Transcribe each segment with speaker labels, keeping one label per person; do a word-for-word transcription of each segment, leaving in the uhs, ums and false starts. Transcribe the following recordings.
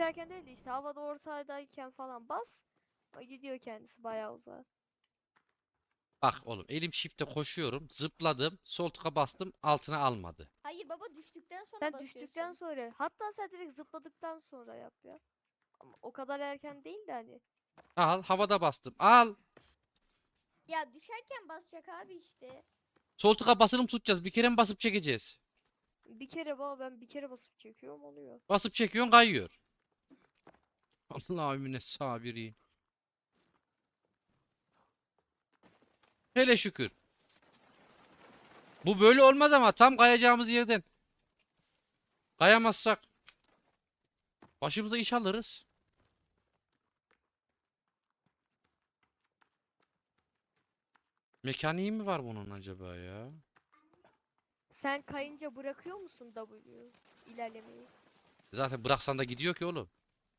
Speaker 1: düşerken değil de işte havada ortadayken falan bas. O gidiyor kendisi bayağı uzağa.
Speaker 2: Bak oğlum elim shift'e koşuyorum. Zıpladım. Sol tıka bastım. Altına almadı.
Speaker 3: Hayır baba, düştükten sonra
Speaker 1: Sen düştükten
Speaker 3: basıyorsun.
Speaker 1: sonra hatta sen direkt zıpladıktan sonra yap ya. Ama o kadar erken değil de hani.
Speaker 2: Al havada bastım. Al.
Speaker 3: Ya düşerken basacak abi işte.
Speaker 2: Sol tıka basılı mı tutacağız? Bir kere mi basıp çekeceğiz?
Speaker 1: Bir kere baba ben bir kere basıp çekiyorum oluyor.
Speaker 2: Basıp çekiyorsun kayıyor. Allahümme sabiri. Hele şükür. Bu böyle olmaz ama tam kayacağımız yerden kayamazsak başımıza iş alırız. Mekaniği mi var bunun acaba ya?
Speaker 1: Sen kayınca bırakıyor musun W ilerlemeyi?
Speaker 2: Zaten bıraksan da gidiyor ki oğlum.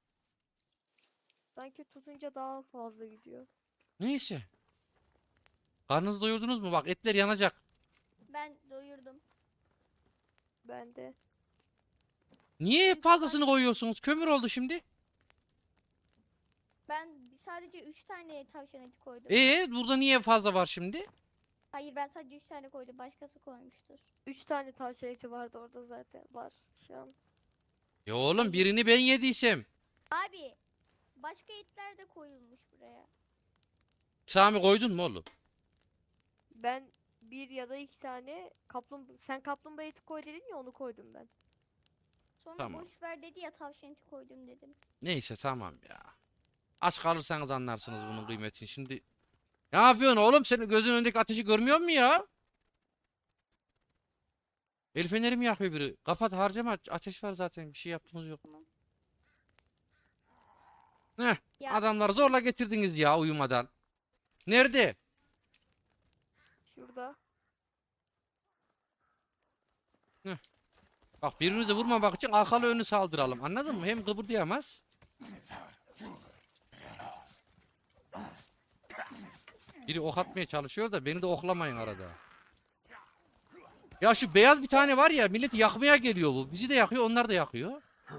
Speaker 1: Sanki tutunca daha fazla gidiyor.
Speaker 2: Neyse. Karnınızı doyurdunuz mu? Bak etler yanacak.
Speaker 3: Ben doyurdum.
Speaker 1: Ben de.
Speaker 2: Niye
Speaker 3: Büyük
Speaker 2: fazlasını
Speaker 3: olan-
Speaker 2: koyuyorsunuz? Kömür oldu şimdi.
Speaker 3: Ben sadece üç tane tavşan eti koydum.
Speaker 2: Ee, burada niye fazla var şimdi?
Speaker 3: Hayır, ben sadece üç tane koydum. Başkası koymuştur.
Speaker 1: Üç tane tavşan eti vardı orada zaten. Var şu an.
Speaker 2: Ya oğlum
Speaker 3: Hayır.
Speaker 2: birini ben yediysem.
Speaker 3: Abi başka etler de koyulmuş buraya.
Speaker 2: Sami koydun mu oğlum?
Speaker 1: Ben bir ya da iki tane kaplumbağa... Sen kaplumbağa eti koy dedin ya onu koydum ben.
Speaker 3: Sonra
Speaker 2: Tamam.
Speaker 3: boş ver dedi ya, tavşan eti koydum dedim.
Speaker 2: Neyse tamam ya. Aç kalırsanız anlarsınız bunun kıymetini. Şimdi ne yapıyorsun oğlum? Senin gözün önündeki ateşi görmüyor musun ya? El feneri mi yakıyor biri? Kapat harcama. Ateş var zaten. Bir şey yaptığımız yok.
Speaker 3: Tamam.
Speaker 2: Heh.
Speaker 3: Ya
Speaker 2: Adamları zorla getirdiniz ya uyumadan. Nerede?
Speaker 1: Şurada.
Speaker 2: Heh. Bak birbirimize vurmamak için arkalı önlü saldıralım. Anladın mı? Hem kıpırdayamaz. Biri ok atmaya çalışıyor da beni de oklamayın arada. Ya şu beyaz bir tane var ya milleti yakmaya geliyor bu. Bizi de yakıyor, onlar da yakıyor.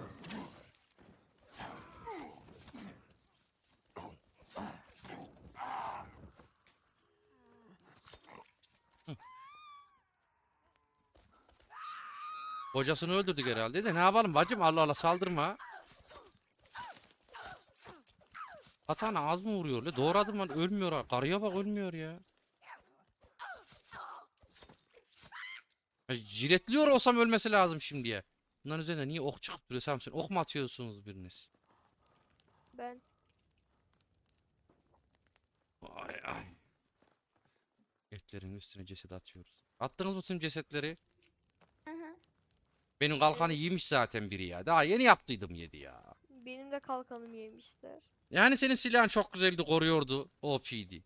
Speaker 2: Kocasını öldürdük herhalde de ne yapalım bacım, Allah Allah saldırma. Katana az mı vuruyor? Le doğradım lan ölmüyor ha. Karıya bak ölmüyor ya. Ya jiletliyor olsam ölmesi lazım şimdiye. Bunların üzerine niye ok çıkıp duruyor Samsun? Ok mu atıyorsunuz biriniz?
Speaker 1: Ben.
Speaker 2: Ay ay. Etlerin üstüne ceset atıyoruz. Attınız mı tüm cesetleri?
Speaker 3: hı hı.
Speaker 2: Benim kalkanı
Speaker 1: Evet.
Speaker 2: yemiş zaten biri ya. Daha yeni yaptıydım yedi ya.
Speaker 1: Benim de kalkanım yemişler.
Speaker 2: Yani senin silahın çok güzeldi, koruyordu. O P'di.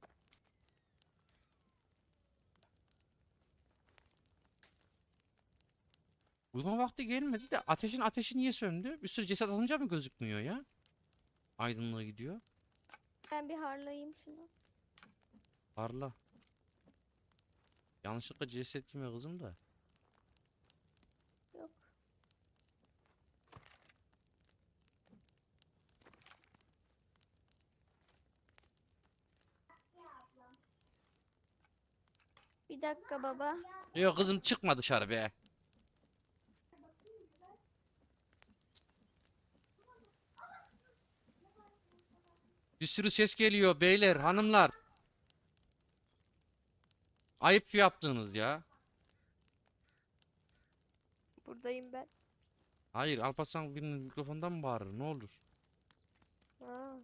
Speaker 2: Uyuma vakti gelmedi de ateşin ateşi niye söndü? Bir sürü ceset alınca mı gözükmüyor ya? Aydınlığa gidiyor.
Speaker 3: Ben bir harlayayım şunu.
Speaker 2: Parla. Yanlışlıkla ceset yeme kızım da.
Speaker 3: Yok. Bir dakika baba.
Speaker 2: Yok kızım çıkma dışarı be. Bir sürü ses geliyor beyler, hanımlar. Ayıp yaptınız ya.
Speaker 1: Buradayım ben.
Speaker 2: Hayır, Alparslan birinin mikrofondan mı bağırır? Ne olur?
Speaker 1: Ha.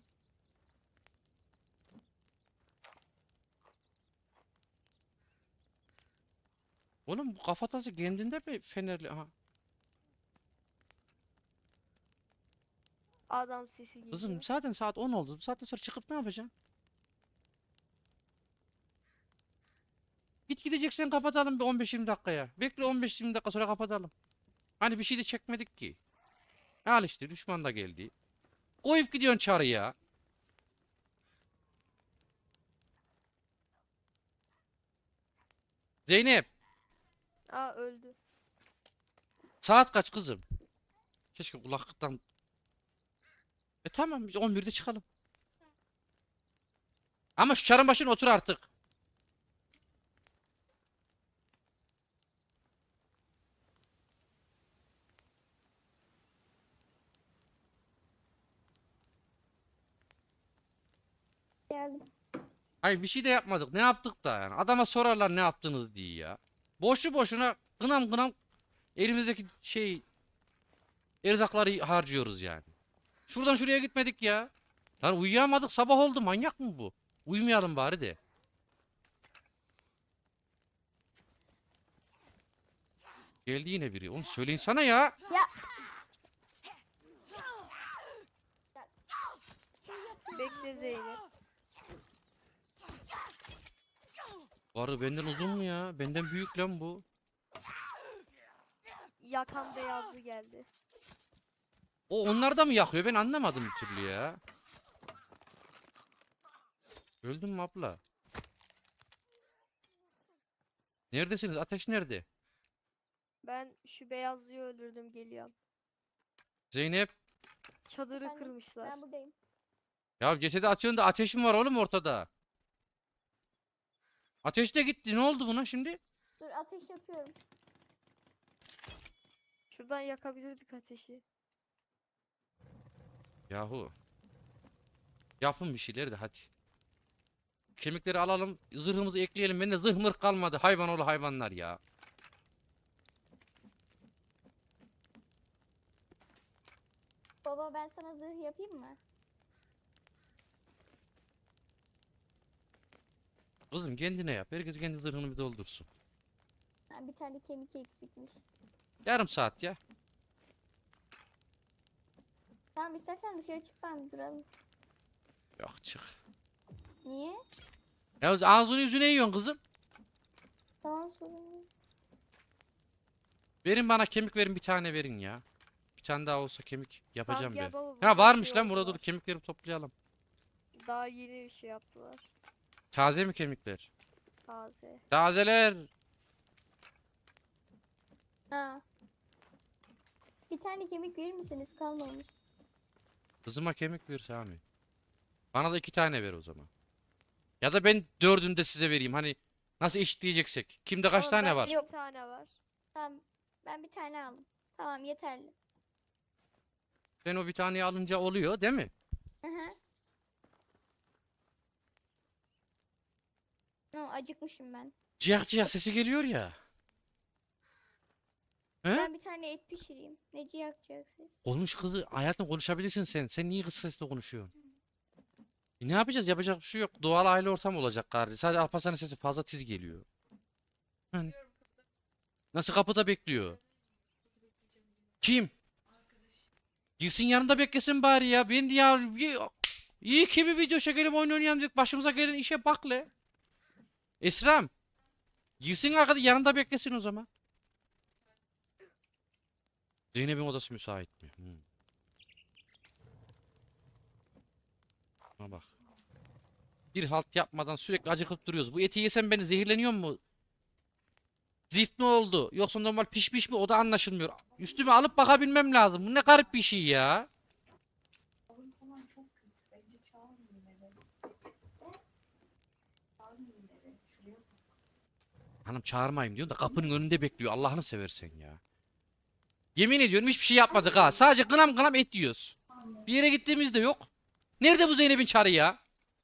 Speaker 2: Oğlum bu kafatası kendinde mi fenerli? Aha.
Speaker 1: Adam sesi
Speaker 2: Kızım
Speaker 1: geliyor.
Speaker 2: zaten saat on oldu. Bu saatten sonra çıkıp ne yapacaksın? Git gideceksen kapatalım bir on beş yirmi dakikaya. Bekle on beş yirmi dakika sonra kapatalım. Hani bir şey de çekmedik ki. Al işte düşman da geldi. Koyup gidiyorsun çarıya. Zeynep,
Speaker 1: Aa öldü.
Speaker 2: saat kaç kızım? Keşke kulaklıktan E tamam biz on birde çıkalım. Ama şu çarın başına otur artık.
Speaker 3: Geldim.
Speaker 2: Hayır bir şey de yapmadık. Ne yaptık da yani. Adama sorarlar ne yaptınız diye ya. Boşu boşuna gınam gınam elimizdeki şey erzakları harcıyoruz yani. Şuradan şuraya gitmedik ya. Lan uyuyamadık sabah oldu manyak mı bu? Uyumayalım bari de. Geldi yine biri. Oğlum söyleyin sana ya.
Speaker 3: Ya
Speaker 1: Bekle Zeynep.
Speaker 2: Varı benden uzun mu ya? Benden büyük lan bu.
Speaker 1: Yakan beyazlı geldi.
Speaker 2: O onlar da mı yakıyor? Ben anlamadım bir türlü ya. Öldün mü abla? Neredesiniz? Ateş nerede?
Speaker 1: Ben şu beyazlıyı öldürdüm, geliyorum.
Speaker 2: Zeynep.
Speaker 1: Çadırı
Speaker 3: Ben-
Speaker 1: kırmışlar.
Speaker 3: ben buradayım.
Speaker 2: Ya cesedi atıyorsun da ateş mi var oğlum ortada? Ateş de gitti. Ne oldu buna şimdi?
Speaker 3: Dur ateş yapıyorum.
Speaker 1: Şuradan yakabilirdik ateşi.
Speaker 2: Yahu. Yapın bir şeyler de hadi. Kemikleri alalım. Zırhımızı ekleyelim. Bende zırh mırh kalmadı. Hayvan oğlu hayvanlar ya.
Speaker 3: Baba ben sana zırh yapayım mı?
Speaker 2: Kızım kendine yap. Herkes kendi zırhını bir doldursun.
Speaker 3: Ha, bir tane kemik eksikmiş.
Speaker 2: Yarım saat ya.
Speaker 3: Tamam istersen dışarı çık ben bir duralım.
Speaker 2: Yok çık.
Speaker 3: Niye?
Speaker 2: Ya ağzını yüzüne yiyorsun kızım.
Speaker 3: Tamam sorun değil.
Speaker 2: Verin bana kemik verin bir tane verin ya. Bir tane daha olsa kemik yapacağım
Speaker 1: gel
Speaker 2: ben.
Speaker 1: baba,
Speaker 2: Ha
Speaker 1: burada
Speaker 2: varmış
Speaker 1: şey
Speaker 2: lan burada dur
Speaker 1: oldular.
Speaker 2: kemikleri toplayalım.
Speaker 1: Daha yeni şey yaptılar.
Speaker 2: Taze mi kemikler?
Speaker 1: Taze.
Speaker 2: Tazeler.
Speaker 3: Ha. Bir tane kemik verir misiniz? Kalmamış.
Speaker 2: Kızıma kemik ver Sami. Bana da iki tane ver o zaman. Ya da ben dördünü de size vereyim. Hani nasıl eşitleyeceksek. Kimde kaç
Speaker 1: Ama
Speaker 2: tane
Speaker 1: bende
Speaker 2: var?
Speaker 1: bir tane var.
Speaker 3: Tamam. Ben bir tane aldım. Tamam yeterli.
Speaker 2: Sen o bir taneyi alınca oluyor değil mi?
Speaker 3: Hı hı. Tamam, acıkmışım ben.
Speaker 2: Ciyak ciyak sesi geliyor ya. He?
Speaker 3: Ben bir tane et pişireyim. Neci yakacaksınız?
Speaker 2: Konuş kızı. Hayatım konuşabilirsin sen. Sen niye kız sesle konuşuyorsun? E ne yapacağız? Yapacak bir şey yok. Doğal aile ortamı olacak kardeşim. Sadece Alparslan'ın sesi fazla tiz geliyor. Hani nasıl kapıda bekliyor? Kim? Girsin yanında beklesin bari ya. Ben ya iyi, iyi ki bir video çekelim oyun oynayalım dedik. Başımıza gelen işe bak le. Esram. Girsin arkada yanında beklesin o zaman. Zeynep'in odası müsait mi? Hmm. Ha bak. Bir halt yapmadan sürekli acıkıp duruyoruz. Bu eti yesem beni zehirleniyor mu? Zift mi oldu? Yoksa normal pişmiş mi? O da anlaşılmıyor. Üstüme alıp bakabilmem lazım. Bu ne garip bir şey ya.
Speaker 4: Balon falan çok kötü. Bence çağırmayın eve. Çağırmayın eve. Şuraya bak.
Speaker 2: Hanım çağırmayayım diyorsun da kapının önünde bekliyor. Allah'ını seversen ya. Yemin ediyorum hiçbir şey yapmadık ha. Sadece gınam gınam et yiyoruz. Bir yere gittiğimizde yok. Nerede bu Zeynep'in çarı ya?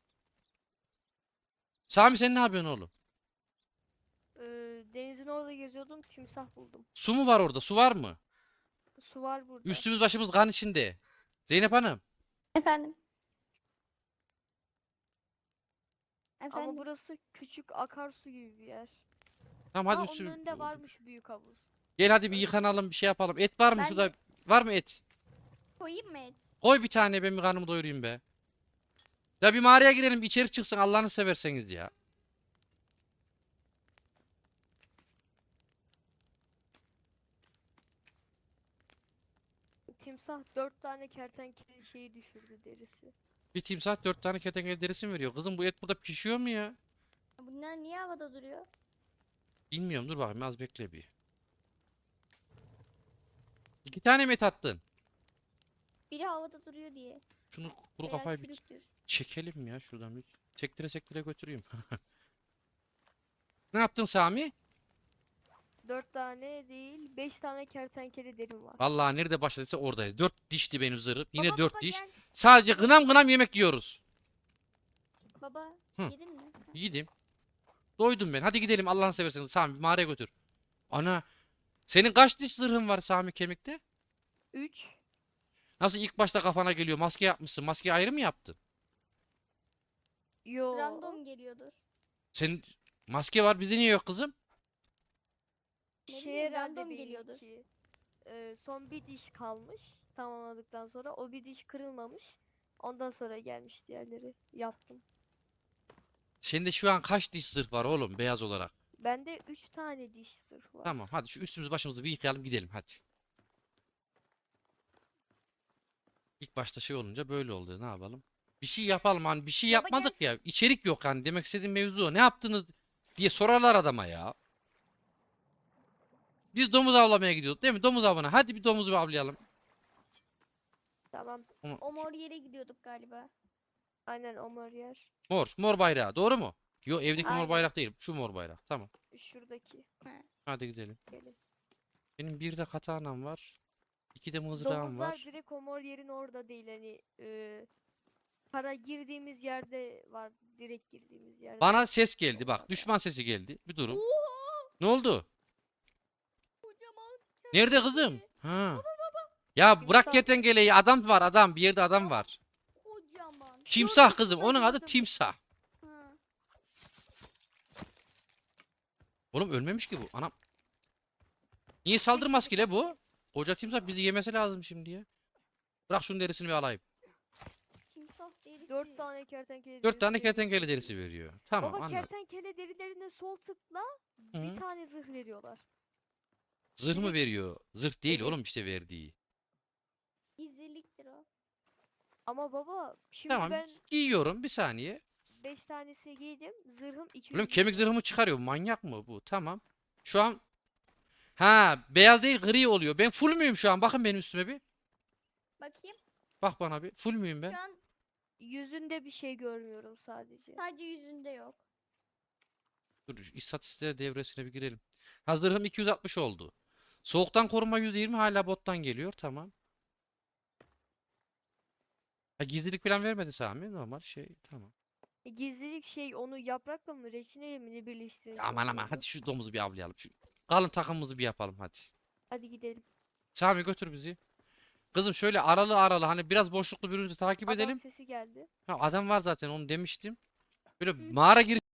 Speaker 2: Sami sen ne yapıyorsun oğlum?
Speaker 1: Ee, denizin orada geziyordum, timsah buldum.
Speaker 2: Su mu var orada? Su var mı?
Speaker 1: Su var burada.
Speaker 2: Üstümüz başımız kan içinde. Zeynep Hanım.
Speaker 3: Efendim.
Speaker 1: Ama
Speaker 3: Efendim.
Speaker 1: burası küçük akarsu gibi bir yer.
Speaker 2: Tamam
Speaker 1: Ha,
Speaker 2: hadi
Speaker 1: onun
Speaker 2: üstümüz.
Speaker 1: önünde varmış büyük havuz.
Speaker 2: Gel hadi bir yıkanalım bir şey yapalım. Et var mı
Speaker 3: Ben
Speaker 2: şurada?
Speaker 3: de-
Speaker 2: Var mı et?
Speaker 3: Koyayım mı et?
Speaker 2: Koy bir tane ben bir karnımı doyurayım be. Ya bir mağaraya girelim bir içeri çıksın Allah'ını severseniz ya.
Speaker 1: Timsah dört tane kertenkele şeyi düşürdü, derisi.
Speaker 2: Bir timsah dört tane kertenkele derisi mi veriyor? Kızım bu et burada pişiyor mu ya?
Speaker 3: Bunlar niye havada duruyor?
Speaker 2: Bilmiyorum dur bakayım az bekle bir. İki tane mi et attın?
Speaker 3: Biri havada duruyor diye.
Speaker 2: Şunu kuru
Speaker 3: Veya
Speaker 2: kafayı bir
Speaker 3: çürüktür.
Speaker 2: çekelim ya şuradan bir. Sektire sektire götüreyim. Ne yaptın Sami?
Speaker 1: Dört tane değil, beş tane kertenkele derim var.
Speaker 2: Vallahi nerede başladıysa oradayız. Dört dişti benim zırhım. Yine
Speaker 3: Baba,
Speaker 2: dört
Speaker 3: baba,
Speaker 2: diş.
Speaker 3: gel.
Speaker 2: Sadece gınam gınam yemek yiyoruz.
Speaker 3: Baba
Speaker 2: Hı.
Speaker 3: yedin mi? Ha.
Speaker 2: Yedim. Doydum ben. Hadi gidelim Allah'ını seversen. Sami bir mağaraya götür. Ana. Senin kaç diş zırhın var Sami kemikte?
Speaker 1: Üç.
Speaker 2: Nasıl ilk başta kafana geliyor? Maske yapmışsın. Maskeyi ayrı mı yaptın?
Speaker 1: Yo.
Speaker 3: Random geliyordur.
Speaker 2: Senin maske var bizde niye yok kızım?
Speaker 3: Ne
Speaker 1: Şey
Speaker 3: bileyim,
Speaker 1: herhalde
Speaker 3: random geliyordur.
Speaker 1: benimki. Ee, son bir diş kalmış. Tamamladıktan sonra o bir diş kırılmamış. Ondan sonra gelmiş diğerleri. Yaptım.
Speaker 2: Sende şu an kaç diş zırh var oğlum beyaz olarak?
Speaker 1: Bende üç tane diş zırh var.
Speaker 2: Tamam hadi şu üstümüzü başımızı bir yıkayalım gidelim hadi. İlk başta şey olunca böyle oldu. Ne yapalım? Bir şey yapalım hani bir şey
Speaker 3: Baba
Speaker 2: yapmadık
Speaker 3: gel.
Speaker 2: ya. İçerik yok hani demek istediğim mevzu o. Ne yaptınız diye sorarlar adama ya. Biz domuz avlamaya gidiyorduk değil mi? Domuz avına. Hadi bir domuz avlayalım.
Speaker 1: Tamam.
Speaker 3: O mor yere gidiyorduk galiba.
Speaker 1: Aynen Omar yer.
Speaker 2: Mor. Mor bayrağı. Doğru mu? Yo evdeki mor
Speaker 1: Aynen.
Speaker 2: bayrak değil. Şu mor bayrak. Tamam.
Speaker 1: Şuradaki.
Speaker 2: Hadi gidelim.
Speaker 1: Gelin.
Speaker 2: Benim bir de katanam var. İki de mızrağım
Speaker 1: Domuzlar
Speaker 2: var.
Speaker 1: direkt Omar yerin orada değil. Hani e, para girdiğimiz yerde var. Direkt girdiğimiz yerde.
Speaker 2: Bana ses geldi
Speaker 1: Domuzlar
Speaker 2: bak.
Speaker 1: var.
Speaker 2: Düşman sesi geldi. Bir durun.
Speaker 3: Oha!
Speaker 2: Ne oldu?
Speaker 3: Kocaman
Speaker 2: Nerede kızım?
Speaker 3: kertenkele.
Speaker 2: Ha. Ya bırak
Speaker 1: Timsah.
Speaker 2: kertenkeleyi. Adam var adam. Bir yerde adam var.
Speaker 3: Kocaman.
Speaker 2: Timsah
Speaker 1: Gördüm,
Speaker 2: kızım.
Speaker 1: şurada
Speaker 2: Onun adı
Speaker 1: gördüm.
Speaker 2: timsah.
Speaker 3: Ha.
Speaker 2: Oğlum ölmemiş ki bu. Anam. Niye saldırmaz ki le bu? Koca timsah bizi yemesi lazım şimdi ya. Bırak şunun derisini bir alayım.
Speaker 3: Timsah derisi.
Speaker 1: Dört tane kertenkele
Speaker 2: Dört tane
Speaker 1: derisi veriyor.
Speaker 2: kertenkele derisi veriyor. Tamam
Speaker 1: Baba
Speaker 2: anladım.
Speaker 1: kertenkele derilerine sol tıkla
Speaker 2: Hı.
Speaker 1: bir tane zırh veriyorlar.
Speaker 2: Zırh mı
Speaker 1: direkt-
Speaker 2: veriyor? Zırh değil
Speaker 1: Evet.
Speaker 2: oğlum işte verdiği.
Speaker 3: Gizliliktir o.
Speaker 1: Ama baba şimdi
Speaker 2: Tamam
Speaker 1: ben
Speaker 2: giyiyorum bir saniye.
Speaker 1: beş tanesi giydim. Zırhım iki
Speaker 2: Oğlum
Speaker 1: yüz
Speaker 2: kemik
Speaker 1: düşüyor.
Speaker 2: zırhımı çıkarıyor. Manyak mı bu? Tamam. Şu an ha beyaz değil gri oluyor. Ben full müyüm şu an? Bakın benim üstüme bir.
Speaker 3: Bakayım.
Speaker 2: Bak bana bir. Full müyüm ben?
Speaker 3: Şu an
Speaker 1: Yüzünde bir şey görmüyorum sadece.
Speaker 3: sadece yüzünde yok.
Speaker 2: Dur istatistikler devresine bir girelim. Ha zırhım iki yüz altmış oldu. Soğuktan koruma yüz yirmi hala bottan geliyor. Tamam. Ha, gizlilik falan vermedi Sami. Normal şey. Tamam.
Speaker 1: E, Gizlilik şey onu yaprakla mı reçineyle mi ne birleştirince
Speaker 2: Aman aman
Speaker 1: oluyordu?
Speaker 2: hadi şu domuzu bir avlayalım. Şu kalın takımımızı bir yapalım hadi.
Speaker 1: Hadi gidelim.
Speaker 2: Sami götür bizi. Kızım şöyle aralı aralı hani biraz boşluklu birbirimizi takip
Speaker 1: Adam
Speaker 2: edelim.
Speaker 1: sesi geldi.
Speaker 2: Ha, adam var zaten onu demiştim. Böyle
Speaker 3: Hı.
Speaker 2: mağara gir